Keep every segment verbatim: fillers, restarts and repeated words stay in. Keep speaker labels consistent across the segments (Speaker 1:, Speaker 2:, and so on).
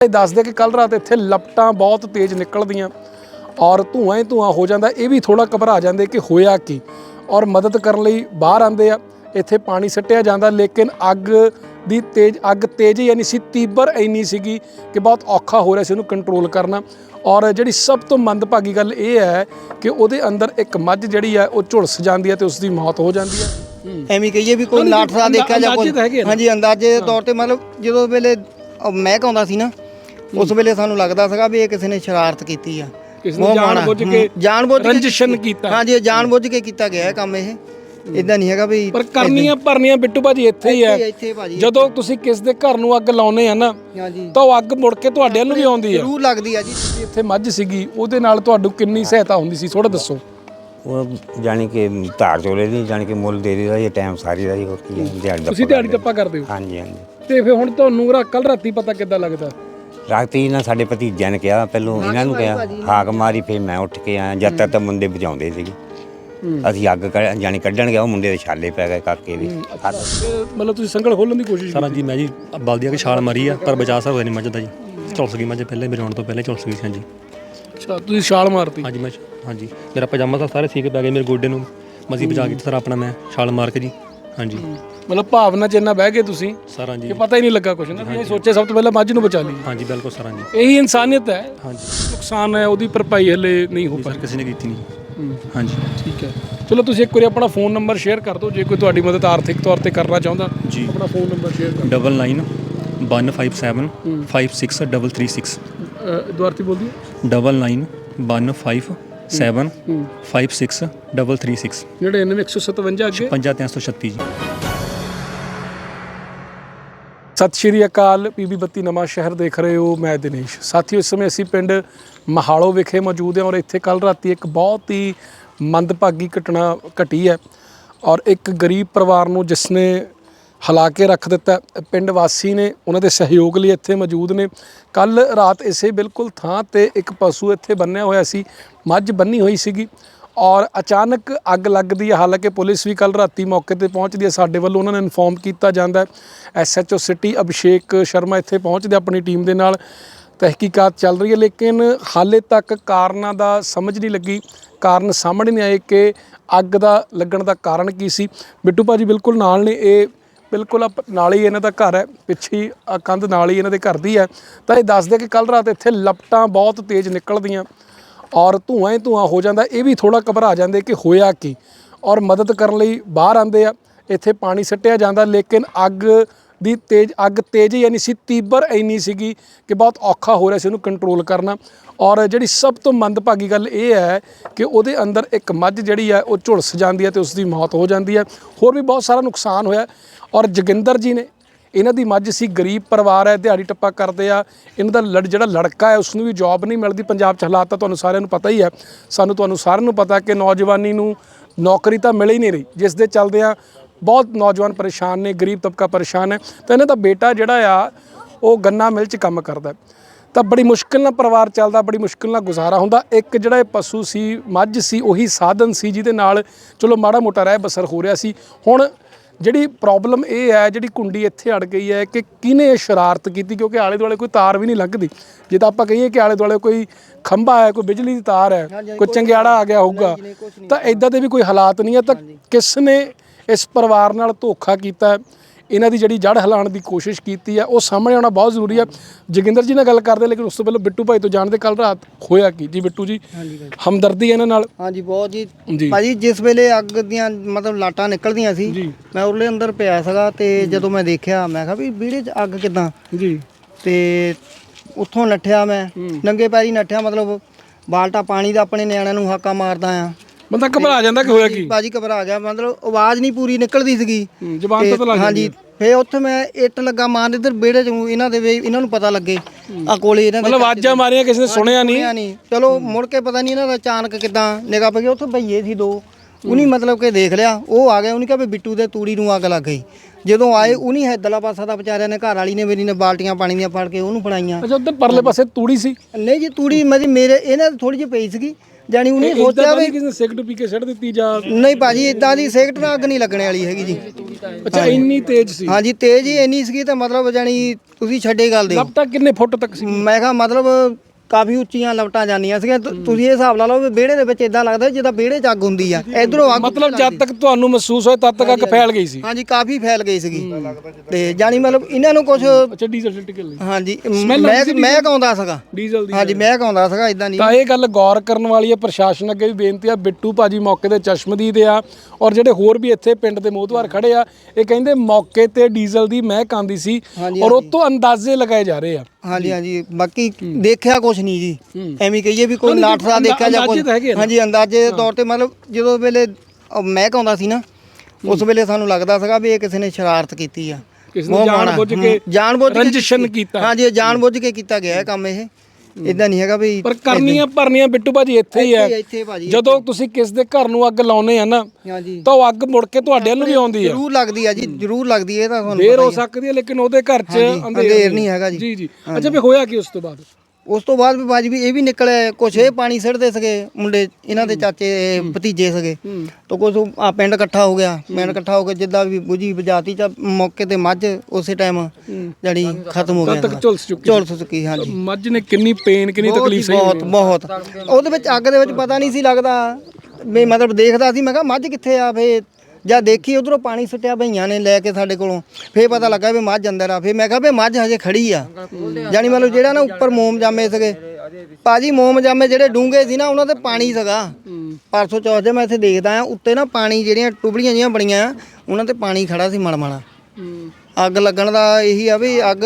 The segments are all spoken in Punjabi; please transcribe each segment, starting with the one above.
Speaker 1: दसदे कि कल रात इत्थे लपटां बहुत तेज़ निकलदियां और धुआं ही धुआं हो जाता। ये भी थोड़ा घबरा जाते कि होया की और मदद करने लई बाहर आते आ। इत्थे पानी सट्टिया जाता लेकिन अग दी तेज अग तेज ही नहीं सी, तीबर इन्नी सीगी कि बहुत औखा हो रहा सी उहनूं कंट्रोल करना। और जिहड़ी सब तो मंदभागी गल ये है कि उहदे अंदर एक मੱਝ जिहड़ी है वो झुलस जाती है तो उसकी मौत हो जाती है।
Speaker 2: ਐਵੇਂ ਕਹੀਏ ਵੀ ਕੋਈ ਨਾਟਸਾ ਦੇਖਿਆ ਜਾਂ ਕੋਈ ਹਾਂਜੀ ਅੰਦਾਜ਼ੇ ਦੇ ਤੌਰ ਤੇ ਮਤਲਬ ਜਦੋਂ ਵੇਲੇ ਮਹਿਕ ਆਉਂਦਾ ਸੀ ਨਾ ਉਸ ਵੇਲੇ ਸਾਨੂੰ ਲੱਗਦਾ ਸੀਗਾ ਵੀ ਇਹ ਕਿਸੇ ਨੇ ਸ਼ਰਾਰਤ ਕੀਤੀ ਆ,
Speaker 1: ਜਾਣਬੁੱਝ ਕੇ
Speaker 2: ਜਾਣਬੁੱਝ ਕੇ
Speaker 1: ਰੰਜਿਸ਼ਨ ਕੀਤਾ।
Speaker 2: ਹਾਂਜੀ ਜਾਣਬੁੱਝ ਕੇ ਕੀਤਾ ਗਿਆ ਇਹ ਕੰਮ। ਇਹ ਇਦਾਂ ਨਹੀਂ ਹੈਗਾ ਵੀ
Speaker 1: ਪਰ ਕਰਨੀਆਂ ਭਰਨੀਆਂ ਬਿੱਟੂ ਭਾਜੀ ਇੱਥੇ ਹੀ ਹੈ। ਜਦੋਂ ਤੁਸੀਂ ਕਿਸ ਦੇ ਘਰ ਨੂੰ ਅੱਗ ਲਾਉਨੇ ਆ ਨਾ ਤਾਂ ਉਹ ਅੱਗ ਮੁੜ ਕੇ ਤੁਹਾਡੇ ਵੱਲ ਨੂੰ ਵੀ ਆਉਂਦੀ ਹੈ,
Speaker 2: ਜ਼ਰੂਰ ਲੱਗਦੀ ਆ ਜੀ।
Speaker 1: ਇੱਥੇ ਮੱਝ ਸੀਗੀ ਉਹਦੇ ਨਾਲ ਤੁਹਾਨੂੰ ਕਿੰਨੀ ਸਹਾਇਤਾ ਹੁੰਦੀ ਸੀ ਥੋੜਾ ਦੱਸੋ।
Speaker 3: ਉਹ ਜਾਣੀ ਕਿ ਧਾਰ ਚੋਲੇ ਦੀ ਜਾਣੀ ਕਿ ਮੁੱਲ ਦੇ ਦਾ ਇਹ ਟਾਈਮ ਸਾਰੀ ਦਾ ਹੀ ਹੋਰ ਕੀ ਹੈ ਦਿਹਾੜੀ ਦਾ।
Speaker 1: ਤੁਸੀਂ ਦਿਹਾੜੀ ਟੱਪਾ ਕਰਦੇ ਹੋ?
Speaker 3: ਹਾਂਜੀ ਹਾਂਜੀ।
Speaker 1: ਤੇ ਫਿਰ ਹੁਣ ਤੁਹਾਨੂੰ ਕੱਲ ਰਾਤੀ ਪਤਾ ਕਿੱਦਾਂ ਲੱਗਦਾ?
Speaker 3: ਰਾਤੀ ਨਾ ਸਾਡੇ ਭਤੀਜਿਆਂ ਨੇ ਕਿਹਾ, ਪਹਿਲੋਂ ਇਹਨਾਂ ਨੂੰ ਕਿਹਾ, ਹਾਕ ਮਾਰੀ, ਫਿਰ ਮੈਂ ਉੱਠ ਕੇ ਆਇਆ। ਜਦ ਤੱਕ ਤਾਂ ਮੁੰਡੇ ਬਚਾਉਂਦੇ ਸੀਗੇ, ਅਸੀਂ ਅੱਗ ਜਾਣੀ ਕੱਢਣ ਗਿਆ ਉਹ ਮੁੰਡੇ ਦੇ ਛਾਲੇ ਪੈ ਗਏ ਕਾਕੇ ਵੀ।
Speaker 1: ਮਤਲਬ ਤੁਸੀਂ ਸੰਗਲ ਖੋਲਣ ਦੀ ਕੋਸ਼ਿਸ਼?
Speaker 4: ਸਰ ਹਾਂਜੀ ਮੈਂ ਜੀ ਬਲਦੀ ਆ ਕਿ ਛਾਲ ਮਾਰੀ ਆ ਪਰ ਬਚਾ ਸਕਦਾ ਨਹੀਂ ਮੱਝ ਦਾ ਜੀ। ਝੁਲਸ ਗਈ ਮੱਝ ਪਹਿਲੇ ਮੇਰੇ ਆਉਣ ਤੋਂ ਪਹਿਲੇ ਝੁਲਸ ਗਈ ਸੀ। ਹਾਂਜੀ
Speaker 1: ਅੱਛਾ ਤੁਸੀਂ ਛਾਲ ਮਾਰਤੀ? ਹਾਂਜੀ
Speaker 4: ਮੈਂ ਹਾਂਜੀ ਮੇਰਾ ਪਜਾਮਾ ਤਾਂ ਸਾਰੇ ਸੀਕੇ ਪੈ ਗਏ ਮੇਰੇ ਗੋਡੇ ਨੂੰ, ਮਸੀਂ ਬਚਾ ਕੇ ਸਰ ਆਪਣਾ ਮੈਂ ਛਾਲ ਮਾਰ ਕੇ ਜੀ। ਹਾਂਜੀ
Speaker 1: ਮਤਲਬ ਭਾਵਨਾ ਚ ਇੰਨਾ ਬਹਿ ਗਏ ਤੁਸੀਂ
Speaker 4: ਸਰ? ਹਾਂਜੀ
Speaker 1: ਕਿ ਪਤਾ ਹੀ ਨਹੀਂ ਲੱਗਾ ਕੁਛ ਨਾ, ਤੁਸੀਂ ਸੋਚਿਆ ਸਭ ਤੋਂ ਪਹਿਲਾਂ ਮੱਝ ਨੂੰ ਬਚਾ ਲਈ।
Speaker 4: ਹਾਂਜੀ ਬਿਲਕੁਲ ਸਰ। ਹਾਂਜੀ
Speaker 1: ਇਹੀ ਇਨਸਾਨੀਅਤ ਹੈ।
Speaker 4: ਹਾਂਜੀ
Speaker 1: ਨੁਕਸਾਨ ਹੈ ਉਹਦੀ ਭਰਪਾਈ ਹਲੇ ਨਹੀਂ ਹੋ ਪਾਈ,
Speaker 4: ਕਿਸੇ ਨੇ ਕੀਤੀ ਨਹੀਂ। ਹਾਂਜੀ
Speaker 1: ਠੀਕ ਹੈ ਚਲੋ ਤੁਸੀਂ ਇੱਕ ਵਾਰੀ ਆਪਣਾ ਫੋਨ ਨੰਬਰ ਸ਼ੇਅਰ ਕਰ ਦਿਓ ਜੇ ਕੋਈ ਤੁਹਾਡੀ ਮਦਦ ਆਰਥਿਕ ਤੌਰ ਤੇ ਕਰਨਾ ਚਾਹੁੰਦਾ
Speaker 4: ਜੀ।
Speaker 1: ਆਪਣਾ ਫੋਨ ਨੰਬਰ ਸ਼ੇਅਰ ਕਰ।
Speaker 4: Double nine one five seven five six double three six.
Speaker 1: ਦੁਆਰਤੀ ਬੋਲਦੀ
Speaker 4: double nine one five seven five six double three six.
Speaker 1: ਨੜਿਨਵੇਂ ਇੱਕ ਸੌ ਸਤਵੰਜਾ ਅੱਗੇ
Speaker 4: ਪੰਜਾਹ ਤਿੰਨ ਸੌ ਛੱਤੀ ਜੀ।
Speaker 1: ਸਤਿ ਸ਼੍ਰੀ ਅਕਾਲ। ਪੀਬੀ ਬੱਤੀ ਨਵਾਂ ਸ਼ਹਿਰ ਦੇਖ ਰਹੇ ਹੋ, ਮੈਂ ਦਿਨੇਸ਼। ਸਾਥੀਓ ਇਸ ਸਮੇਂ ਅਸੀਂ ਪਿੰਡ ਮਹਾਲੋ ਵਿਖੇ ਮੌਜੂਦ ਹਾਂ ਔਰ ਇੱਥੇ ਕੱਲ੍ਹ ਰਾਤੀ ਇੱਕ ਬਹੁਤ ਹੀ ਮੰਦਭਾਗੀ ਘਟਨਾ ਘਟੀ ਹੈ ਔਰ ਇੱਕ ਗਰੀਬ ਪਰਿਵਾਰ ਨੂੰ ਜਿਸ ਨੇ ਹਿਲਾ ਕੇ ਰੱਖ ਦਿੱਤਾ। ਪਿੰਡ ਵਾਸੀ ਨੇ ਉਹਨਾਂ ਦੇ ਸਹਿਯੋਗ ਲਈ ਇੱਥੇ ਮੌਜੂਦ ਨੇ। ਕੱਲ੍ਹ ਰਾਤ ਇਸੇ ਬਿਲਕੁਲ ਥਾਂ 'ਤੇ ਇੱਕ ਪਸ਼ੂ ਇੱਥੇ ਬੰਨਿਆ ਹੋਇਆ ਸੀ, ਮੱਝ ਬੰਨੀ ਹੋਈ ਸੀਗੀ ਔਰ ਅਚਾਨਕ ਅੱਗ ਲੱਗਦੀ ਹੈ। ਹਾਲਾਂਕਿ ਪੁਲਿਸ ਵੀ ਕੱਲ੍ਹ ਰਾਤੀ ਮੌਕੇ 'ਤੇ ਪਹੁੰਚਦੀ ਹੈ, ਸਾਡੇ ਵੱਲੋਂ ਉਹਨਾਂ ਨੂੰ ਇਨਫੋਰਮ ਕੀਤਾ ਜਾਂਦਾ। S H O city Abhishek Sharma ਇੱਥੇ ਪਹੁੰਚਦੇ ਆਪਣੀ ਟੀਮ ਦੇ ਨਾਲ, ਤਹਿਕੀਕਾਤ ਚੱਲ ਰਹੀ ਹੈ ਲੇਕਿਨ ਹਾਲੇ ਤੱਕ ਕਾਰਨਾਂ ਦਾ ਸਮਝ ਨਹੀਂ ਲੱਗੀ, ਕਾਰਨ ਸਾਹਮਣੇ ਨਹੀਂ ਆਏ ਕਿ ਅੱਗ ਦਾ ਲੱਗਣ ਦਾ ਕਾਰਨ ਕੀ ਸੀ। ਬਿੱਟੂ ਭਾਜੀ ਬਿਲਕੁਲ ਨਾਲ ਨੇ, ਇਹ ਬਿਲਕੁਲ ਨਾਲ ਹੀ ਇਹਨਾਂ ਦਾ ਘਰ ਹੈ, ਪਿੱਛੇ ਕੰਧ ਨਾਲ ਹੀ ਇਹਨਾਂ ਦੇ ਘਰ ਦੀ ਹੈ। ਤਾਂ ਇਹ ਦੱਸਦੇ ਕਿ ਕੱਲ੍ਹ ਰਾਤ ਇੱਥੇ ਲਪਟਾਂ ਬਹੁਤ ਤੇਜ਼ ਨਿਕਲਦੀਆਂ ਔਰ ਧੂਆਂ ਹੀ ਧੂਆਂ ਹੋ ਜਾਂਦਾ। ਇਹ ਵੀ ਥੋੜਾ ਘਬਰਾ ਜਾਂਦੇ ਕਿ ਹੋਇਆ ਕੀ ਔਰ ਮਦਦ ਕਰਨ ਲਈ ਬਾਹਰ ਆਉਂਦੇ ਆ। ਇੱਥੇ ਪਾਣੀ ਸੱਟਿਆ ਜਾਂਦਾ ਲੇਕਿਨ ਅੱਗ ਦੀ ਤੇਜ਼ ਅਗ तेज़ ही नहीं सी, तीबर इन्नी सीगी कि बहुत औखा हो रहा सी उहनूं कंट्रोल करना। और जिहड़ी सब तो मंदभागी गल ये है कि उहदे अंदर एक मੱਝ जिहड़ी है वो झुलस जाती है तो उसकी मौत हो जाती है। होर भी बहुत सारा नुकसान होया। और जोगिंदर जी ने इन्हां दी मੱਝ सी, गरीब परिवार है, दिहाड़ी टप्पा करते आ। इन्हां दा लड़ जिहड़ा लड़का है उसनूं भी जॉब नहीं मिलती। पंजाब च हालात तां तुहानूं सारिआं नूं पता ही है, सानूं तुहानूं सारिआं नूं पता कि नौजवानी नूं नौकरी तां मिल ही नहीं रही, जिस दे चलदिआं बहुत नौजवान परेशान ने, गरीब तबका परेशान है। तो इन्हां दा बेटा जिहड़ा आ वो गन्ना मिल च काम करदा, तो बड़ी मुश्किल नाल परिवार चलदा, बड़ी मुश्किल नाल गुजारा हुंदा। एक जिहड़ा पशु सी, मੱਝ सी, उही साधन सी जिहदे नाल चलो माड़ा मोटा रह बसर हो रहा सी। हुण ਜਿਹੜੀ प्रॉब्लम ये है, ਜਿਹੜੀ कुंडी इत्थे अड़ गई है कि किने शरारत की, क्योंकि आले दुआले कोई तार भी नहीं लंघदी। जे तां आपां कहीए कि आले दुआले कोई खंभा है, कोई बिजली की तार है, कोई चंगियाड़ा आ गया होगा, तो इदां दे भी कोई हालात नहीं है। तो किसने इस परिवार नाल धोखा कीता, इन्हां दी जिहड़ी जड़ हिलाउण दी कोशिश कीती है, वो सामने आउणा बहुत जरूरी है। जोगिंदर जी नाल गल करदे लेकिन उस तो पहले बिट्टू भाई तो जानते कल रात होया की जी। बिट्टू जी हमदर्दी है इन्हां नाल? हाँ जी बहुत जी भाजी। जिस वेले अग दियां मतलब लाटां निकलदियां सी, मैं उरले अंदर पिया सीगा ते जदों मैं देखिया मैं कहा भी विहड़े च अग किदां जी, ते उत्थों नट्ठिया, मैं नंगे पैरी नट्ठिया, मतलब बाल्टा पानी दा अपने निआणिਆਂ ਨੂੰ हाका मारदा आ। ਬੰਦਾ ਘਬਰਾ ਜਾਂਦਾ ਕਿ ਹੋਇਆ ਕੀ? ਬਾਜੀ ਘਬਰਾ ਗਿਆ, ਮਤਲਬ ਆਵਾਜ਼ ਨਹੀਂ ਪੂਰੀ ਨਿਕਲਦੀ ਸੀਗੀ, ਜ਼ੁਬਾਨ ਤੋਂ ਲੱਗ ਗਈ। ਹਾਂਜੀ ਫੇ ਉੱਥੇ ਮੈਂ ਇੱਟ ਲੱਗਾ ਮਾਰਨ, ਇੱਧਰ ਵਿਹੜੇ 'ਚ ਇਹਨਾਂ ਦੇ ਵੀ ਇਹਨਾਂ ਨੂੰ ਪਤਾ ਲੱਗੇ ਆ ਕੋਲੇ ਇਹਨਾਂ ਦੇ, ਮਤਲਬ ਆਵਾਜ਼ਾਂ ਮਾਰੀਆਂ ਕਿਸੇ ਨੇ ਸੁਣਿਆ ਨਹੀਂ। ਚਲੋ ਮੁੜ ਕੇ ਪਤਾ ਨਹੀਂ ਇਹਨਾਂ ਦਾ ਅਚਾਨਕ ਕਿੱਦਾਂ ਨਿਗਾਹ ਪਈ, ਉੱਥੇ ਭਈਏ ਸੀ ਦੋ, ਉਹਨੇ ਮਤਲਬ ਕਿ ਦੇਖ ਲਿਆ, ਉਹ ਆ ਗਿਆ। ਉਹਨੇ ਕਿਹਾ ਵੀ ਬਿੱਟੂ ਦੇ ਤੂੜੀ ਨੂੰ ਅੱਗ ਲੱਗ ਗਈ। ਜਦੋਂ ਆਏ ਉਹਨੇ ਹੈਦਲਾ ਪਾਸਾ ਦਾ ਵਿਚਾਰਿਆਂ ਨੇ, ਘਰ ਵਾਲੀ ਨੇ ਮੇਰੀ ਨੇ ਬਾਲਟੀਆਂ ਪਾਣੀ ਦੀਆਂ ਫੜ ਕੇ ਉਹਨੂੰ ਫੜਾਈਆਂ। ਅੱਛਾ ਉੱਧਰ ਪਰਲੇ ਪਾਸੇ ਤੂੜੀ ਸੀ? ਨਹੀਂ ਜੀ ਤੂੜੀ ਮੇਰੀ ਮੇਰੇ ਇਹਨਾਂ ਦੀ ਥੋੜੀ ਜਿਹੀ ਪਈ ਸੀਗੀ,
Speaker 2: ਜਾਣੀ ਉਹਨੇ
Speaker 1: ਇਹ
Speaker 2: ਸੋਚਿਆ
Speaker 1: ਤਾਂ
Speaker 2: ਵੀ
Speaker 1: ਨਹੀਂ ਕਿਸੇ ਨੇ ਸਿਗਰਟ ਪੀ ਕੇ ਛੱਡ ਦਿੱਤੀ ਜਾਂ
Speaker 2: ਨਹੀਂ ਭਾਜੀ ਇਦਾਂ ਦੀ ਸਿਗਰਟ ਨਾਲ ਅੱਗ ਨਹੀਂ ਲੱਗਣੇ ਵਾਲੀ ਹੈਗੀ ਜੀ।
Speaker 1: ਅੱਛਾ ਇੰਨੀ ਤੇਜ਼ ਸੀ?
Speaker 2: ਹਾਂਜੀ ਤੇਜ਼ ਹੀ ਇੰਨੀ ਸੀਗੀ ਤਾਂ ਮਤਲਬ ਜਾਣੀ ਤੁਸੀਂ ਛੱਡੇ ਗੱਲ ਦੇ
Speaker 1: ਲਪਟਾ ਕਿੰਨੇ ਫੁੱਟ ਤੱਕ ਸੀ?
Speaker 2: ਮੈਂ ਕਿਹਾ ਮਤਲਬ ਕਾਫੀ ਉੱਚੀਆਂ ਲਪਟਾਂ ਜਾਂਦੀਆਂ ਸੀਗੀਆਂ। ਤੁ- ਤੁਸੀਂ ਇਹ ਹਿਸਾਬ ਲਾ ਲਓ ਵੀ ਵਿਹੜੇ ਦੇ ਵਿੱਚ ਇਦਾਂ ਲੱਗਦਾ ਜਿੱਦਾਂ ਵਿਹੜੇ 'ਚ ਅੱਗ ਹੁੰਦੀ ਆ ਇਧਰੋਂ ਅੱਗ
Speaker 1: ਮਤਲਬ ਜਦ ਤੱਕ ਤੁਹਾਨੂੰ ਮਹਿਸੂਸ ਹੋਇਆ ਤਦ ਤੱਕ ਅੱਗ ਫੈਲ ਗਈ ਸੀ?
Speaker 2: ਹਾਂਜੀ ਕਾਫੀ ਫੈਲ ਗਈ ਸੀਗੀ ਤੇ ਜਾਣੀ ਮਤਲਬ ਇਹਨਾਂ ਨੂੰ ਕੁਝ
Speaker 1: ਅੱਛਾ ਡੀਜ਼ਲ ਛਿੜਕ ਲਈ?
Speaker 2: ਹਾਂਜੀ ਮੈਂ ਮੈਂ ਆਉਂਦਾ ਸੀਗਾ
Speaker 1: ਡੀਜ਼ਲ ਦੀ?
Speaker 2: ਹਾਂਜੀ ਮੈਂ ਆਉਂਦਾ ਸੀਗਾ ਇਦਾਂ ਨਹੀਂ।
Speaker 1: ਤਾਂ ਇਹ ਗੱਲ ਗੌਰ ਕਰਨ ਵਾਲੀ ਹੈ। ਪ੍ਰਸ਼ਾਸਨ ਅੱਗੇ ਵੀ ਬੇਨਤੀ ਆ। ਬਿੱਟੂ ਭਾਜੀ ਮੌਕੇ ਤੇ ਚਸ਼ਮਦੀਦ ਆ ਔਰ ਜਿਹੜੇ ਹੋਰ ਵੀ ਇੱਥੇ ਪਿੰਡ ਦੇ ਮੋਹਤਵਾਰ ਖੜੇ ਆ ਇਹ ਕਹਿੰਦੇ ਮੌਕੇ ਤੇ ਡੀਜ਼ਲ ਦੀ ਮਹਿਕ ਆਉਂਦੀ ਸੀ ਔਰ ਉਹ ਤੋਂ ਅੰਦਾਜ਼ੇ ਲਗਾਏ ਜਾ ਰਹੇ ਆ।
Speaker 2: ਹਾਂਜੀ ਹਾਂਜੀ ਬਾਕੀ ਦੇਖਿਆ ਕੁਛ ਨਹੀਂ ਜੀ ਐਵੇਂ ਕਹੀਏ ਵੀ ਕੋਈ ਨਾਟਕਾ ਦੇਖਿਆ ਜਾਂ ਕੁਝ ਹਾਂਜੀ ਅੰਦਾਜ਼ੇ ਦੇ ਤੌਰ ਤੇ ਮਤਲਬ ਜਦੋਂ ਵੇਲੇ ਮਹਿਕ ਆਉਂਦਾ ਸੀ ਨਾ ਉਸ ਵੇਲੇ ਸਾਨੂੰ ਲੱਗਦਾ ਸੀਗਾ ਵੀ ਇਹ ਕਿਸੇ ਨੇ ਸ਼ਰਾਰਤ ਕੀਤੀ ਆ
Speaker 1: ਕਿਸ ਨੇ ਜਾਣ ਬੁੱਝ ਕੇ
Speaker 2: ਜਾਣ ਬੁੱਝ ਕੇ
Speaker 1: ਰੰਜਿਸ਼ਨ ਕੀਤਾ।
Speaker 2: ਹਾਂਜੀ ਇਹ ਜਾਣ ਬੁੱਝ ਕੇ ਕੀਤਾ ਗਿਆ ਇਹ ਕੰਮ ਇਹ ਇਦਾਂ ਨਹੀਂ ਹੈਗਾ ਵੀ
Speaker 1: ਪਰ ਕਰਨੀਆਂ ਭਰਨੀਆਂ ਬਿੱਟੂ ਭਾਜੀ ਇੱਥੇ ਹੀ ਹੈ।
Speaker 2: ਇੱਥੇ ਭਾਜੀ
Speaker 1: ਜਦੋਂ ਤੁਸੀਂ ਕਿਸ ਦੇ ਘਰ ਨੂੰ ਅੱਗ ਲਾਉਨੇ ਆ ਨਾ
Speaker 2: ਹਾਂਜੀ
Speaker 1: ਤਾਂ ਉਹ ਅੱਗ ਮੁੜ ਕੇ ਤੁਹਾਡੇ ਵੱਲ ਨੂੰ ਵੀ ਆਉਂਦੀ ਹੈ।
Speaker 2: ਜ਼ਰੂਰ ਲੱਗਦੀ ਆ ਜੀ ਜ਼ਰੂਰ ਲੱਗਦੀ ਹੈ ਇਹ ਤਾਂ ਤੁਹਾਨੂੰ
Speaker 1: ਦੇਰ ਹੋ ਸਕਦੀ ਹੈ ਲੇਕਿਨ ਉਹਦੇ ਘਰ 'ਚ
Speaker 2: ਅੰਧੇਰ ਨਹੀਂ ਹੈਗਾ ਜੀ।
Speaker 1: ਜੀ ਜੀ ਅੱਛਾ ਵੀ ਹੋਇਆ ਕੀ ਉਸ ਤੋਂ ਬਾਅਦ?
Speaker 2: ਉਸ ਤੋਂ ਬਾਅਦ ਵੀ ਬਾਜੀ ਵੀ ਇਹ ਵੀ ਨਿਕਲਿਆ ਕੁਛ ਇਹ ਪਾਣੀ ਸਿੱਟਦੇ ਸੀਗੇ ਮੁੰਡੇ ਇਹਨਾਂ ਦੇ ਚਾਚੇ ਭਤੀਜੇ ਸੀਗੇ ਤਾਂ ਕੁਛ ਆ ਪਿੰਡ ਇਕੱਠਾ ਹੋ ਗਿਆ ਪਿੰਡ ਇਕੱਠਾ ਹੋ ਕੇ ਜਿੱਦਾਂ ਵੀ ਬੁਝੀ ਬਜਾਤੀ ਚ ਮੌਕੇ ਤੇ ਮੱਝ ਉਸੇ ਟਾਈਮ ਜਿਹੜੀ ਖਤਮ ਹੋ ਗਿਆ
Speaker 1: ਤੱਕ ਝੁਲਸ ਚੁੱਕੀ
Speaker 2: ਝੁਲਸ ਚੁੱਕੀ ਹਾਂਜੀ
Speaker 1: ਮੱਝ ਨੇ ਕਿੰਨੀ ਪੇਨ ਕਿੰਨੀ ਤਕਲੀਫ ਸਹੀ?
Speaker 2: ਬਹੁਤ ਬਹੁਤ ਉਹਦੇ ਵਿੱਚ ਅੱਗ ਦੇ ਵਿੱਚ ਪਤਾ ਨਹੀਂ ਸੀ ਲੱਗਦਾ ਵੀ ਮਤਲਬ ਦੇਖਦਾ ਸੀ ਮੈਂ ਕਿਹਾ ਮੱਝ ਕਿੱਥੇ ਆ ਫੇ ਜਾਂ ਦੇਖੀ ਉਧਰੋਂ ਪਾਣੀ ਸੁੱਟਿਆ ਭਈਆਂ ਨੇ ਲੈ ਕੇ ਸਾਡੇ ਕੋਲੋਂ ਫੇਰ ਪਤਾ ਲੱਗਾ ਵੀ ਮੱਝ ਅੰਦਰ ਆ ਫੇਰ ਮੈਂ ਕਿਹਾ ਵੀ ਮੱਝ ਹਜੇ ਖੜੀ ਆ ਜਾਨੀ ਮਤਲਬ ਜਿਹੜਾ ਨਾ ਉੱਪਰ ਮੋਮ ਜਾਮੇ ਸੀਗੇ ਭਾਜੀ ਮੋਮ ਜਾਮੇ ਜਿਹੜੇ ਡੂੰਘੇ ਸੀ ਨਾ ਉਹਨਾਂ ਤੇ ਪਾਣੀ ਸੀਗਾ ਪਰਸੋਂ ਚੌਥ ਦੇ ਮੈਂ ਇੱਥੇ ਦੇਖਦਾ ਆ ਉੱਤੇ ਨਾ ਪਾਣੀ ਜਿਹੜੀਆਂ ਟੁਬਲੀਆਂ ਜਿਹੀਆਂ ਬਣੀਆਂ ਆ ਉਹਨਾਂ ਤੇ ਪਾਣੀ ਖੜਾ ਸੀ ਮਲਮਲਾ ਅੱਗ ਲੱਗਣ ਦਾ ਇਹੀ ਆ ਵੀ ਅੱਗ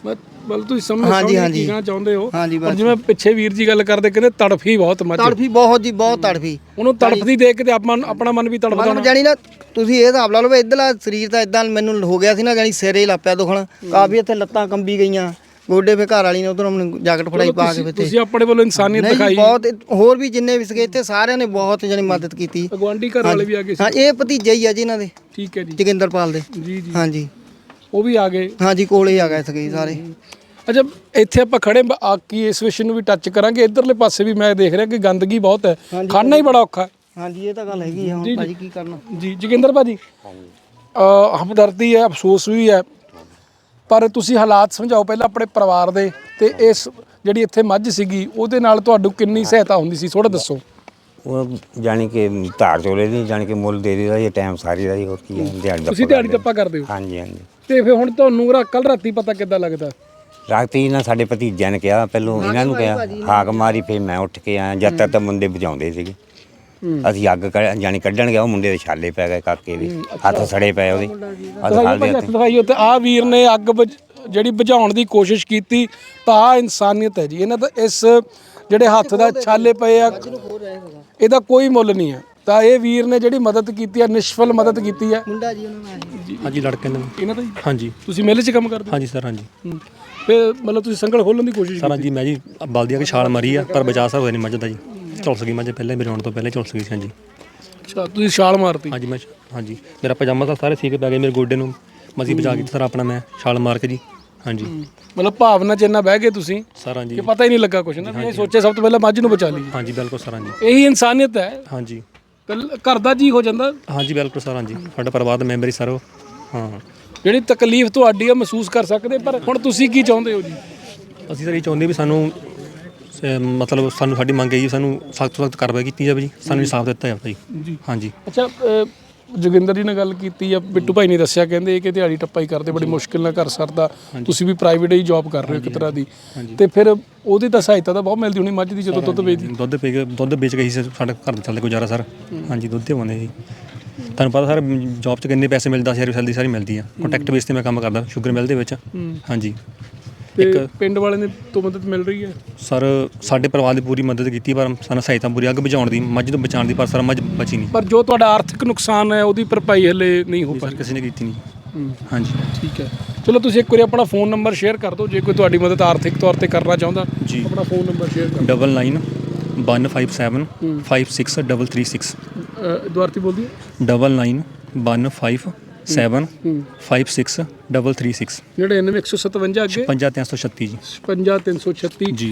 Speaker 1: ਬਲ ਤੁਸੀਂ ਸਮਝ
Speaker 2: ਹਾਂਜੀ
Speaker 1: ਕੀ
Speaker 2: ਹਾਂਜੀ
Speaker 1: ਕਹਿਣਾ ਚਾਹੁੰਦੇ ਹੋ?
Speaker 2: ਹਾਂਜੀ
Speaker 1: ਪਰ ਜਿਵੇਂ ਪਿੱਛੇ ਵੀਰ ਜੀ ਗੱਲ ਕਰਦੇ ਕਹਿੰਦੇ ਤੜਫੀ ਬਹੁਤ ਮੱਝ
Speaker 2: ਤੜਫੀ ਬਹੁਤ ਜੀ ਬਹੁਤ ਤੜਫੀ
Speaker 1: ਉਹਨੂੰ ਤੜਫਦੀ ਦੇਖ ਕੇ ਤੇ ਆਪਾਂ ਆਪਣਾ ਮਨ ਵੀ ਤੜਫਦਾ
Speaker 2: ਮਤਲਬ ਜਾਨੀ ਨਾ ਤੁਸੀਂ ਇਹ ਹਿਸਾਬ ਲਾ ਲਓ ਵੀ ਇਧਰਲਾ ਸਰੀਰ ਤਾਂ ਇਦਾਂ ਮੈਨੂੰ ਹੋ ਗਿਆ ਸੀ ਨਾ ਜਾਨੀ ਸਿਰੇ ਹੀ ਲੱਪਿਆ ਦੁਖਣ ਕਾਫੀ ਇੱਥੇ ਲੱਤਾਂ ਕੰਬੀ ਗਈਆਂ ਗੋਡੇ ਫੇ ਘਰ ਵਾਲੀ ਨੇ ਉਧਰੋਂ ਮੈਨੂੰ ਜੈਕਟ ਫੜਾਈ ਪਾ ਕੇ ਇੱਥੇ
Speaker 1: ਤੁਸੀਂ ਆਪਣੇ ਵੱਲੋਂ ਇਨਸਾਨੀਅਤ ਦਿਖਾਈ
Speaker 2: ਬਹੁਤ ਹੋਰ ਵੀ ਜਿੰਨੇ ਵੀ ਸੀਗੇ ਇੱਥੇ ਸਾਰਿਆਂ ਨੇ ਬਹੁਤ ਜਾਨੀ ਮਦਦ ਕੀਤੀ
Speaker 1: ਅਗਵਾਂਡੀ ਘਰ ਵਾਲੇ ਵੀ ਆ ਗਏ ਸੀ?
Speaker 2: ਹਾਂ ਇਹ ਭਤੀਜੇ ਹੀ ਆ ਜੀ ਇਹਨਾਂ ਦੇ
Speaker 1: ਠੀਕ ਹੈ ਜੀ
Speaker 2: ਜੋਗਿੰਦਰਪਾਲ ਦੇ
Speaker 1: ਜੀ ਜੀ
Speaker 2: ਹਾਂਜੀ
Speaker 1: ਉਹ ਵੀ ਆ ਗਏ
Speaker 2: ਹਾਂਜੀ ਕੋਲੇ ਆ ਗਏ ਸੀਗੇ ਸਾਰੇ।
Speaker 1: ਅੱਛਾ ਇੱਥੇ ਆਪਾਂ ਖੜੇ ਆ ਕੀ ਇਸ ਵਿਸ਼ੇ ਨੂੰ ਵੀ ਟੱਚ ਕਰਾਂਗੇ। ਇਧਰਲੇ ਪਾਸੇ ਵੀ ਮੈਂ ਦੇਖ ਰਿਹਾ ਕਿ ਗੰਦਗੀ ਬਹੁਤ ਹੈ ਖਾਣਾ ਹੀ ਬੜਾ ਔਖਾ।
Speaker 2: ਹਾਂਜੀ ਇਹ ਤਾਂ ਗੱਲ ਹੈਗੀ ਆ ਹੁਣ ਭਾਜੀ ਕੀ ਕਰਨਾ
Speaker 1: ਜੀ ਜੋਗਿੰਦਰ ਭਾਜੀ ਅ ਹਮਦਰਦੀ ਹੈ ਅਫਸੋਸ ਵੀ ਹੈ ਪਰ ਤੁਸੀਂ ਹਾਲਾਤ ਸਮਝਾਓ ਪਹਿਲਾਂ ਆਪਣੇ ਪਰਿਵਾਰ ਦੇ ਤੇ ਇਸ ਜਿਹੜੀ ਇੱਥੇ ਮੱਝ ਸੀਗੀ ਉਹਦੇ ਨਾਲ ਤੁਹਾਨੂੰ ਕਿੰਨੀ ਸਹਾਇਤਾ ਹੁੰਦੀ ਸੀ ਥੋੜਾ ਦੱਸੋ।
Speaker 3: ਉਹ ਜਾਣੀ ਕਿ ਧਾਰ ਚੋਲੇ ਦੀ ਜਾਣੀ ਕਿ ਮੁੱਲ ਦੇ ਦੇਦਾ ਇਹ ਟਾਈਮ ਸਾਰੀ ਦਾ ਹੀ ਹੋਰ ਕੀ ਹੈ ਦਿਹਾੜੀ ਦਾ।
Speaker 1: ਤੁਸੀਂ ਦਿਹਾੜੀ ਟੱਪਾ ਕਰਦੇ ਹੋ?
Speaker 3: ਹਾਂਜੀ ਹਾਂਜੀ।
Speaker 1: ਤੇ ਫਿਰ ਹੁਣ ਤੁਹਾਨੂੰ ਕੱਲ ਰਾਤੀ ਪਤਾ ਕਿੱਦਾਂ ਲੱਗਦਾ?
Speaker 3: ਰਾਤੀ ਨਾ ਸਾਡੇ ਭਤੀਜਿਆਂ ਨੇ ਕਿਹਾ ਪਹਿਲੋਂ ਇਹਨਾਂ ਨੂੰ ਕਿਹਾ ਹਾਕ ਮਾਰੀ ਫੇਰ ਮੈਂ ਉੱਠ ਕੇ ਆਇਆ ਜਦ ਤੱਕ ਤਾਂ ਮੁੰਡੇ ਬੁਝਾਉਂਦੇ ਸੀਗੇ। ਅਸੀਂ ਅੱਗ ਜਾਣੀ ਕੱਢਣ ਗਿਆ ਉਹ ਮੁੰਡੇ ਦੇ ਛਾਲੇ ਪੈ ਗਏ ਕਾਕੇ ਦੇ ਹੱਥ ਸੜੇ ਪਏ ਉਹਦੇ
Speaker 1: ਦਿਖਾਈਓ ਤੇ ਆ ਵੀਰ ਨੇ ਅੱਗ ਜਿਹੜੀ ਬੁਝਾਉਣ ਦੀ ਕੋਸ਼ਿਸ਼ ਕੀਤੀ ਤਾਂ ਆ ਇਨਸਾਨੀਅਤ ਹੈ ਜੀ। ਇਹਨਾਂ ਦਾ ਇਸ ਜਿਹੜੇ ਹੱਥ ਦਾ ਛਾਲੇ ਪਏ ਆ ਇਹਦਾ ਕੋਈ ਮੁੱਲ ਨਹੀਂ ਹੈ। ਤਾਂ ਇਹ ਵੀਰ ਨੇ ਜਿਹੜੀ ਮਦਦ ਕੀਤੀ ਹੈ ਨਿਸ਼ਫਲ ਮਦਦ ਕੀਤੀ ਹੈ।
Speaker 2: ਮੁੰਡਾ ਜੀ ਉਹਨਾਂ ਨਾਲ
Speaker 4: ਹਾਂਜੀ ਲੜਕੇ ਨੇ
Speaker 1: ਇਹਨਾਂ ਦਾ ਜੀ?
Speaker 4: ਹਾਂਜੀ।
Speaker 1: ਤੁਸੀਂ ਮੇਲੇ 'ਚ ਕੰਮ ਕਰਦੇ?
Speaker 4: ਹਾਂਜੀ ਸਰ ਹਾਂਜੀ।
Speaker 1: ਫਿਰ ਮਤਲਬ ਤੁਸੀਂ ਸੰਗਲ ਖੋਲਣ ਦੀ ਕੋਸ਼ਿਸ਼
Speaker 4: ਸਰ ਹਾਂਜੀ ਮੈਂ ਜੀ ਬਲਦੀ ਆ ਕਿ ਛਾਲ ਮਾਰੀ ਆ ਪਰ ਬਚਾ ਸਰ ਹੋਇਆ ਨਹੀਂ ਮੱਝ ਦਾ ਜੀ। ਝੁਲਸ ਗਈ ਮੱਝ ਪਹਿਲੇ ਮੇਰੇ ਆਉਣ ਤੋਂ ਪਹਿਲੇ ਝੁਲਸ ਗਈ ਸੀ। ਹਾਂਜੀ
Speaker 1: ਅੱਛਾ ਤੁਸੀਂ ਛਾਲ ਮਾਰਤੀ?
Speaker 4: ਹਾਂਜੀ ਮੈਂ ਹਾਂਜੀ ਮੇਰਾ ਪਜਾਮਾ ਤਾਂ ਸਾਰੇ ਸੀਕੇ ਪੈ ਗਏ ਮੇਰੇ ਗੋਡੇ ਨੂੰ ਮਸੀ ਬਚਾ ਕੇ ਸਰ ਆਪਣਾ ਮੈਂ ਛਾਲ ਮਾਰ ਕੇ ਜੀ। ਹਾਂਜੀ
Speaker 1: ਮਤਲਬ ਭਾਵਨਾ 'ਚ ਇੰਨਾ ਬਹਿ ਗਏ ਤੁਸੀਂ
Speaker 4: ਸਰ ਹਾਂਜੀ
Speaker 1: ਕਿ ਪਤਾ ਹੀ ਨਹੀਂ ਲੱਗਾ ਕੁਛ ਨਾ ਵੀ ਇਹ ਸੋਚਿਆ ਸਭ ਤੋਂ ਪਹਿਲਾਂ ਮੱਝ ਨੂੰ ਬਚਾ ਲਈ।
Speaker 4: ਹਾਂਜੀ ਬਿਲਕੁਲ ਸਰ ਹਾਂਜੀ
Speaker 1: ਇਹੀ ਇਨਸਾਨੀਅਤ ਹੈ।
Speaker 4: ਹਾਂਜੀ
Speaker 1: ਘਰ ਦਾ ਜੀ ਹੋ ਜਾਂਦਾ।
Speaker 4: ਹਾਂਜੀ ਬਿਲਕੁਲ ਸਰ ਹਾਂਜੀ ਸਾਡਾ ਪਰਿਵਾਰ ਦਾ ਮੈਂਬਰ ਹੀ ਸਰ ਉਹ ਹਾਂ
Speaker 1: ਜਿਹੜੀ ਤਕਲੀਫ ਤੁਹਾਡੀ ਆ ਮਹਿਸੂਸ ਕਰ ਸਕਦੇ ਪਰ ਹੁਣ ਤੁਸੀਂ ਕੀ ਚਾਹੁੰਦੇ ਹੋ ਜੀ?
Speaker 4: ਅਸੀਂ ਸਰ ਇਹ ਚਾਹੁੰਦੇ ਵੀ ਸਾਨੂੰ ਮਤਲਬ ਸਾਨੂੰ ਸਾਡੀ ਮੰਗ ਹੈ ਜੀ ਸਾਨੂੰ ਸਖਤ ਤੋਂ ਸਖਤ ਕਾਰਵਾਈ ਕੀਤੀ ਜਾਵੇ ਜੀ ਸਾਨੂੰ ਇਨਸਾਫ ਦਿੱਤਾ ਜਾਵੇ ਜੀ। ਹਾਂਜੀ
Speaker 1: ਅੱਛਾ ਜੋਗਿੰਦਰ ਜੀ ਨਾਲ ਗੱਲ ਕੀਤੀ ਆ ਬਿੱਟੂ ਭਾਈ ਨੇ ਦੱਸਿਆ ਕਹਿੰਦੇ ਕਿ ਦਿਹਾੜੀ ਟੱਪਾ ਹੀ ਕਰਦੇ ਬੜੀ ਮੁਸ਼ਕਿਲ ਨਾਲ ਘਰ ਸਰਦਾ ਤੁਸੀਂ ਵੀ ਪ੍ਰਾਈਵੇਟ ਹੀ ਜੌਬ ਕਰ ਰਹੇ ਹੋ ਇੱਕ ਤਰ੍ਹਾਂ ਦੀ ਤੇ ਫਿਰ ਉਹਦੀ ਤਾਂ ਸਹਾਇਤਾ ਤਾਂ ਬਹੁਤ ਮਿਲਦੀ ਹੋਣੀ ਮੱਝ ਦੀ ਜਦੋਂ ਦੁੱਧ ਵੇਚਦੀ?
Speaker 4: ਦੁੱਧ ਪੀ ਕੇ ਦੁੱਧ ਵੇਚ ਕੇ ਹੀ ਸਾਡਾ ਘਰ ਦਾ ਚੱਲਦਾ ਗੁਜ਼ਾਰਾ ਸਰ। ਹਾਂਜੀ ਦੁੱਧ ਦੇ ਬੰਦੇ ਜੀ ਤੁਹਾਨੂੰ ਪਤਾ ਸਰ ਜੌਬ 'ਚ ਕਿੰਨੇ ਪੈਸੇ ਮਿਲਦਾ ਸਾਰੀ ਸੈਲਰੀ ਸਾਰੀ ਮਿਲਦੀ ਆ ਕੰਟੈਕਟ ਬੇਸ 'ਤੇ ਮੈਂ ਕੰਮ ਕਰਦਾ ਸ਼ੂਗਰ ਮਿਲ ਦੇ ਵਿੱਚ। ਹਾਂਜੀ
Speaker 1: ਤੇ ਪਿੰਡ ਵਾਲਿਆਂ ਨੇ ਤੋਂ ਮਦਦ ਮਿਲ ਰਹੀ ਹੈ?
Speaker 4: ਸਰ ਸਾਡੇ ਪਰਿਵਾਰ ਦੀ ਪੂਰੀ ਮਦਦ ਕੀਤੀ ਪਰ ਸਾਨੂੰ ਸਹਾਇਤਾ ਪੂਰੀ ਅੱਗ ਬੁਝਾਉਣ ਦੀ ਮੱਝ ਤੋਂ ਬਚਾਉਣ ਦੀ ਪਰ ਸਰ ਮੱਝ ਬਚੀ ਨਹੀਂ।
Speaker 1: ਪਰ ਜੋ ਤੁਹਾਡਾ ਆਰਥਿਕ ਨੁਕਸਾਨ ਹੈ ਉਹਦੀ ਭਰਪਾਈ ਹਲੇ ਨਹੀਂ ਹੋ ਪਾਈ?
Speaker 4: ਕਿਸੇ ਨੇ ਕੀਤੀ ਨਹੀਂ। ਹਾਂਜੀ
Speaker 1: ਠੀਕ ਹੈ ਚਲੋ ਤੁਸੀਂ ਇੱਕ ਵਾਰੀ ਆਪਣਾ ਫੋਨ ਨੰਬਰ ਸ਼ੇਅਰ ਕਰ ਦਿਓ ਜੇ ਕੋਈ ਤੁਹਾਡੀ ਮਦਦ ਆਰਥਿਕ ਤੌਰ ਤੇ ਕਰਨਾ ਚਾਹੁੰਦਾ
Speaker 4: ਜੀ।
Speaker 1: ਆਪਣਾ ਫੋਨ ਨੰਬਰ ਸ਼ੇਅਰ ਕਰ
Speaker 4: double nine one five seven five six double three six
Speaker 1: ਦੁਆਰਤੀ ਬੋਲਦੀ
Speaker 4: double nine one five seven five six double three six
Speaker 1: ਨੜਿਨਵੇਂ ਇੱਕ ਸੌ ਸਤਵੰਜਾ ਅੱਗੇ
Speaker 4: ਪੰਜਾਹ ਤਿੰਨ ਸੌ ਛੱਤੀ ਜੀ
Speaker 1: ਪੰਜਾਹ ਤਿੰਨ ਸੌ ਛੱਤੀ
Speaker 4: ਜੀ।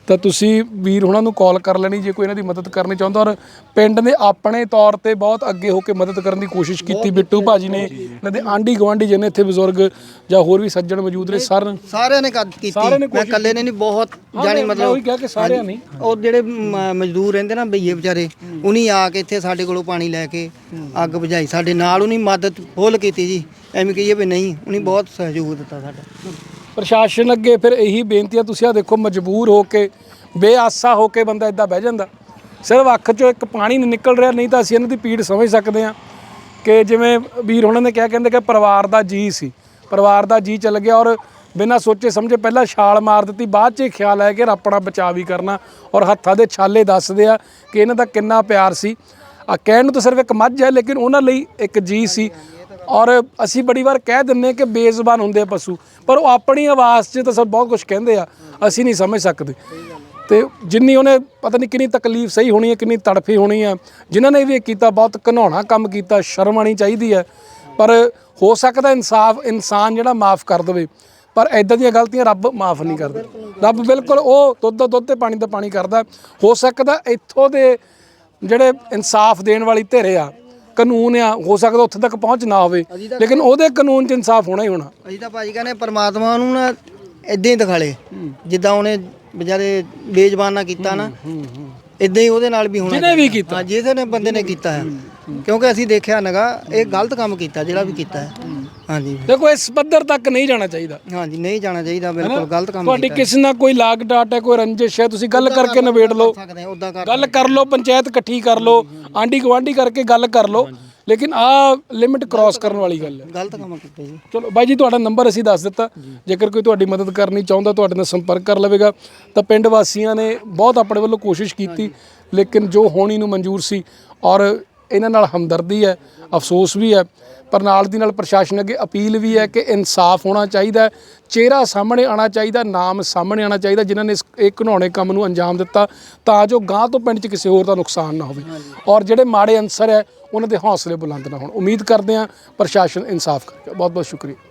Speaker 1: ਤਾਂ ਤੁਸੀਂ ਵੀਰ ਉਹਨਾਂ ਨੂੰ ਕਾਲ ਕਰ ਲੈਣੀ ਜੇ ਕੋਈ ਇਹਨਾਂ ਦੀ ਮਦਦ ਕਰਨੀ ਚਾਹੁੰਦਾ। ਔਰ ਪਿੰਡ ਨੇ ਆਪਣੇ ਤੌਰ ਤੇ ਬਹੁਤ ਅੱਗੇ ਹੋ ਕੇ ਮਦਦ ਕਰਨ ਦੀ ਕੋਸ਼ਿਸ਼ ਕੀਤੀ। ਬਿੱਟੂ ਭਾਜੀ ਨੇ, ਇਹਨਾਂ ਦੇ ਆਂਢੀ ਗੁਆਂਢੀ ਜਿਹਨੇ ਇੱਥੇ ਬਜ਼ੁਰਗ ਜਾਂ ਹੋਰ ਵੀ ਸੱਜਣ ਮੌਜੂਦ ਨੇ, ਸਰ
Speaker 2: ਸਾਰਿਆਂ ਨੇ ਕਰ- ਕੀਤੀ
Speaker 1: ਸਾਰਿਆਂ ਨੇ
Speaker 2: ਮੈਂ ਇਕੱਲੇ ਨੇ ਨਹੀਂ, ਬਹੁਤ ਜਾਣੀ
Speaker 1: ਮੈਂ ਉਹੀ ਕਿਹਾ ਕਿ ਸਾਰਿਆਂ ਨੇ।
Speaker 2: ਉਹ ਜਿਹੜੇ ਮ- ਮਜ਼ਦੂਰ ਰਹਿੰਦੇ ਨਾ ਬਈਏ ਵਿਚਾਰੇ, ਉਨੀ ਆ ਕੇ ਇੱਥੇ ਸਾਡੇ ਕੋਲੋਂ ਪਾਣੀ ਲੈ ਕੇ ਅੱਗ ਬੁਝਾਈ, ਸਾਡੇ ਨਾਲ ਉਹਨੀ ਮਦਦ ਫੁੱਲ ਕੀਤੀ ਜੀ। ਐਵੇਂ ਕਹੀਏ ਵੀ ਨਹੀਂ, ਉਹਨੇ ਬਹੁਤ ਸਹਿਯੋਗ ਦਿੱਤਾ ਸਾਡਾ।
Speaker 1: ਪ੍ਰਸ਼ਾਸਨ ਅੱਗੇ ਫਿਰ ਇਹੀ ਬੇਨਤੀ ਆ, ਤੁਸੀਂ ਆ ਦੇਖੋ ਮਜਬੂਰ ਹੋ ਕੇ ਬੇਆਸਾ ਹੋ ਕੇ ਬੰਦਾ ਇਦਾਂ ਬਹਿ ਜਾਂਦਾ, ਸਿਰਫ ਅੱਖ 'ਚੋਂ ਇੱਕ ਪਾਣੀ ਨਹੀਂ ਨਿਕਲ ਰਿਹਾ। ਨਹੀਂ ਤਾਂ ਅਸੀਂ ਇਹਨਾਂ ਦੀ ਪੀੜ ਸਮਝ ਸਕਦੇ ਹਾਂ ਕਿ ਜਿਵੇਂ ਵੀਰ ਉਹਨਾਂ ਨੇ ਕਿਹਾ, ਕਹਿੰਦੇ ਕਿ ਪਰਿਵਾਰ ਦਾ ਜੀ ਸੀ, ਪਰਿਵਾਰ ਦਾ ਜੀ ਚੱਲ ਗਿਆ ਔਰ ਬਿਨਾਂ ਸੋਚੇ ਸਮਝੇ ਪਹਿਲਾਂ ਛਾਲ ਮਾਰ ਦਿੱਤੀ, ਬਾਅਦ 'ਚ ਇਹ ਖਿਆਲ ਆਇਆ ਕਿ ਆਪਣਾ ਬਚਾਅ ਵੀ ਕਰਨਾ। ਔਰ ਹੱਥਾਂ ਦੇ ਛਾਲੇ ਦੱਸਦੇ ਆ ਕਿ ਇਹਨਾਂ ਦਾ ਕਿੰਨਾ ਪਿਆਰ ਸੀ। ਆ ਕਹਿਣ ਨੂੰ ਤਾਂ ਸਿਰਫ ਇੱਕ ਮੱਝ ਹੈ, ਲੇਕਿਨ ਉਹਨਾਂ ਲਈ ਇੱਕ ਜੀ ਸੀ। ਔਰ ਅਸੀਂ ਬੜੀ ਵਾਰ ਕਹਿ ਦਿੰਦੇ ਕਿ ਬੇਜ਼ੁਬਾਨ ਹੁੰਦੇ ਆ ਪਸ਼ੂ, ਪਰ ਉਹ ਆਪਣੀ ਆਵਾਜ਼ 'ਚ ਤਾਂ ਸਭ ਬਹੁਤ ਕੁਝ ਕਹਿੰਦੇ ਆ, ਅਸੀਂ ਨਹੀਂ ਸਮਝ ਸਕਦੇ। ਤੇ ਜਿੰਨੀ ਉਹਨੇ ਪਤਾ ਨਹੀਂ ਕਿੰਨੀ ਤਕਲੀਫ ਸਹੀ ਹੋਣੀ ਹੈ, ਕਿੰਨੀ ਤੜਫੀ ਹੋਣੀ ਆ। ਜਿਨ੍ਹਾਂ ਨੇ ਵੀ ਇਹ ਕੀਤਾ ਬਹੁਤ ਘਿਨਾਉਣਾ ਕੰਮ ਕੀਤਾ, ਸ਼ਰਮ ਆਉਣੀ ਚਾਹੀਦੀ ਹੈ। ਪਰ ਹੋ ਸਕਦਾ ਇਨਸਾਫ ਇਨਸਾਨ ਜਿਹੜਾ ਮਾਫ ਕਰ ਦੇਵੇ, ਪਰ ਇੱਦਾਂ ਦੀਆਂ ਗਲਤੀਆਂ ਰੱਬ ਮਾਫ ਨਹੀਂ ਕਰਦਾ। ਰੱਬ ਬਿਲਕੁਲ ਉਹ ਦੁੱਧ ਦਾ ਦੁੱਧ ਤੇ ਪਾਣੀ ਦਾ ਪਾਣੀ ਕਰਦਾ। ਹੋ ਸਕਦਾ ਇੱਥੋਂ ਦੇ ਜਿਹੜੇ ਇਨਸਾਫ ਦੇਣ ਵਾਲੀ ਧਿਰ ਆ, ਕਾਨੂੰਨ ਆ, ਹੋ ਸਕਦਾ ਉੱਥੇ ਤੱਕ ਪਹੁੰਚ ਨਾ ਹੋਵੇ, ਲੇਕਿਨ ਉਹਦੇ ਕਾਨੂੰਨ 'ਚ ਇਨਸਾਫ ਹੋਣਾ ਹੀ ਹੋਣਾ।
Speaker 2: ਅਸੀਂ ਤਾਂ ਭਾਜੀ ਕਹਿੰਦੇ ਪਰਮਾਤਮਾ ਨੂੰ ਨਾ ਇਦਾਂ ਹੀ ਦਿਖਾਲੇ, ਜਿੱਦਾਂ ਉਹਨੇ ਵਿਚਾਰੇ ਬੇਜ਼ਬਾਨ ਨਾਲ ਕੀਤਾ ਨਾ, ਇਦਾਂ ਹੀ ਉਹਦੇ ਨਾਲ ਵੀ ਹੋਣਾ।
Speaker 1: ਜਿਹਨੇ ਵੀ ਕੀਤਾ,
Speaker 2: ਹਾਂ, ਜਿਹਦੇ ਨੇ ਬੰਦੇ ਨੇ ਕੀਤਾ ਹੈ, ਕਿਉਂਕਿ ਅਸੀਂ ਦੇਖਿਆ ਨਗਾ ਇਹ ਗਲਤ ਕੰਮ ਕੀਤਾ ਜਿਹੜਾ ਵੀ ਕੀਤਾ ਹੈ। ਹਾਂਜੀ
Speaker 1: ਦੇਖੋ ਇਸ ਪੱਧਰ ਤੱਕ ਨਹੀਂ ਜਾਣਾ ਚਾਹੀਦਾ।
Speaker 2: ਹਾਂਜੀ ਨਹੀਂ ਜਾਣਾ ਚਾਹੀਦਾ, ਬਿਲਕੁਲ ਗਲਤ ਕੰਮ
Speaker 1: ਤੁਹਾਡੀ ਕਿਸੇ ਨਾਲ ਕੋਈ ਲਾਗ ਡਾਟ ਹੈ, ਕੋਈ ਰੰਜਿਸ਼ ਹੈ, ਤੁਸੀਂ ਗੱਲ ਕਰਕੇ ਨਿਬੇੜ ਲਓ,
Speaker 2: ਸਕਦੇ ਉਦਾਂ ਕਰ
Speaker 1: ਗੱਲ ਕਰ ਲਓ, ਪੰਚਾਇਤ ਇਕੱਠੀ ਕਰ ਲਓ, ਆਂਢੀ ਗੁਆਂਢੀ ਕਰਕੇ ਗੱਲ ਕਰ ਲਓ, ਲੇਕਿਨ ਆਹ ਲਿਮਿਟ ਕ੍ਰਾਸ ਕਰਨ ਵਾਲੀ ਗੱਲ ਹੈ।
Speaker 2: ਗਲਤ ਕੰਮ ਕੀਤਾ ਜੀ।
Speaker 1: ਚਲੋ ਬਾਈ ਜੀ, ਤੁਹਾਡਾ ਨੰਬਰ ਅਸੀਂ ਦੱਸ ਦਿੱਤਾ, ਜੇਕਰ ਕੋਈ ਤੁਹਾਡੀ ਮਦਦ ਕਰਨੀ ਚਾਹੁੰਦਾ ਤੁਹਾਡੇ ਨਾਲ ਸੰਪਰਕ ਕਰ ਲਵੇਗਾ। ਤਾਂ ਪਿੰਡ ਵਾਸੀਆਂ ਨੇ ਬਹੁਤ ਆਪਣੇ ਵੱਲੋਂ ਕੋਸ਼ਿਸ਼ ਕੀਤੀ, ਲੇਕਿਨ ਜੋ ਹੋਣੀ ਨੂੰ ਮਨਜ਼ੂਰ ਸੀ। ਔਰ ਇਹਨਾਂ ਨਾਲ ਹਮਦਰਦੀ ਹੈ, ਅਫਸੋਸ ਵੀ ਹੈ, ਪਰ ਨਾਲ ਦੀ ਨਾਲ ਪ੍ਰਸ਼ਾਸਨ ਅੱਗੇ ਅਪੀਲ ਵੀ ਹੈ ਕਿ ਇਨਸਾਫ ਹੋਣਾ ਚਾਹੀਦਾ, ਚਿਹਰਾ ਸਾਹਮਣੇ ਆਉਣਾ ਚਾਹੀਦਾ, ਨਾਮ ਸਾਹਮਣੇ ਆਉਣਾ ਚਾਹੀਦਾ ਜਿਨ੍ਹਾਂ ਨੇ ਇਸ ਇਹ ਘਿਨਾਉਣੇ ਕੰਮ ਨੂੰ ਅੰਜਾਮ ਦਿੱਤਾ, ਤਾਂ ਜੋ ਗਾਂ ਤੋਂ ਪਿੰਡ 'ਚ ਕਿਸੇ ਹੋਰ ਦਾ ਨੁਕਸਾਨ ਨਾ ਹੋਵੇ। ਔਰ ਜਿਹੜੇ ਮਾੜੇ ਅਨਸਰ ਹੈ ਉਹਨਾਂ ਦੇ ਹੌਸਲੇ ਬੁਲੰਦ ਨਾ ਹੋਣ। ਉਮੀਦ ਕਰਦੇ ਹਾਂ ਪ੍ਰਸ਼ਾਸਨ ਇਨਸਾਫ ਕਰੇਗਾ। ਬਹੁਤ ਬਹੁਤ ਸ਼ੁਕਰੀਆ।